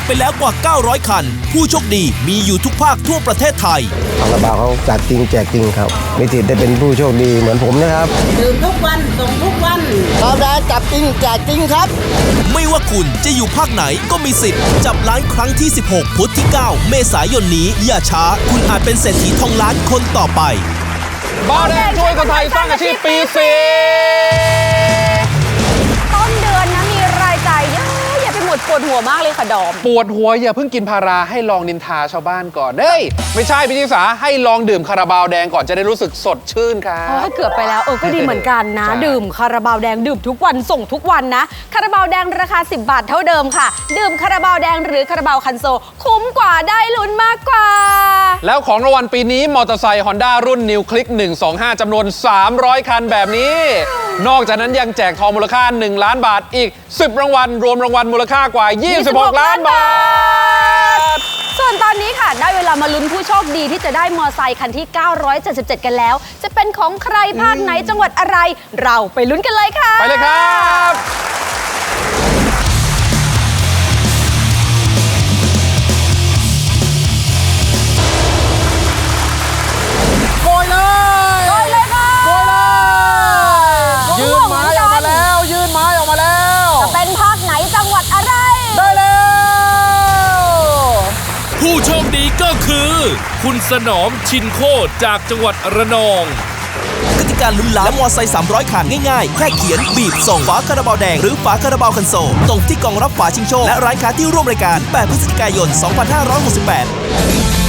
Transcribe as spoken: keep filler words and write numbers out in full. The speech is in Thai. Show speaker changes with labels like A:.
A: ไปแล้วกว่าเก้าร้อยคันผู้โชคดีมีอยู่ทุกภาคทั่วประเทศไทย
B: คาราบาวเขาจัดจริงแจกจริงครับมีสิทธิ์ได้เป็นผู้โชคดีเหมือนผมนะครับ
C: ดื่มทุกวันส่งทุกวัน
D: คาราบาวจับจริงแจกจริงครับ
A: ไม่ว่าคุณจะอยู่ภาคไหนก็มีสิทธิ์จับล้านครั้งที่สิบหกพุธที่เก้าเมษายนนี้อย่าช้าคุณอาจเป็นเศรษฐีทองล้านคนต่อไป
E: บาวแดงช่วยคนไทยสร้างอาชีพปีสี่
F: ต้นเดือนนะมีรายจ่ายเยอะอย่าไปหมดปวดหัวมากเลยค่ะดอม
E: ปวดหัวอย่าเพิ่งกินพาราให้ลองนินทาชาวบ้านก่อนเฮ้ยไม่ใช่พี่ชิสาให้ลองดื่มคาราบาวแดงก่อนจะได้รู้สึกสดชื่นครับ
F: เกือบไปแล้วเออก็ดีเหมือนกันนะดื่มคาราบาวแดงดื่มทุกวันส่งทุกวันนะคาราบาวแดงราคาสิบบาทเท่าเดิมค่ะดื่มคาราบาวแดงหรือคาราบาวคันโซคุ้มกว่าได้ลุ้นมากกว่า
E: แล้วของรางวัลปีนี้มอเตอร์ไซค์ Honda รุ่น New Click หนึ่งสองห้าจำนวนสามร้อยคันแบบนี้นอกจากนั้นยังแจกทองมูลค่าหนึ่งล้านบาทอีกสิบรางวัลรวมรางวัลมูลค่ากว่ายี่สิบหกล้านบาท
F: ส่วนตอนนี้ค่ะได้เวลามาลุ้นผู้โชคดีที่จะได้มอไซค์คันที่เก้าร้อยเจ็ดสิบเจ็ดกันแล้วจะเป็นของใครภาคไหนจังหวัดอะไรเราไปลุ้นกันเลยค่ะ
E: ไปเลยครับโกยเลย
F: โกยเลยค่ะ
E: โกยเลยยืนไม้ออกมาแล้วยืนไม้ออกมาแล้ว
F: จะเป็นภาคไหนจังหวัดอะไร
E: ได้แล้ว
A: ผู้โชคดีก็คือคุณสนอมชินโคตรจากจังหวัดระนองกติกาลุ้นล้านและมอไซค์สามร้อยคันง่ายๆแค่เขียนบีบส่งฝาคาราบาวแดงหรือฝาคาราบาวคันโซลตรงที่กล่องรับฝาชิงโชคและร้านค้าที่ร่วมรายการแปดพฤศจิกายนสองพันห้าร้อยหกสิบแปด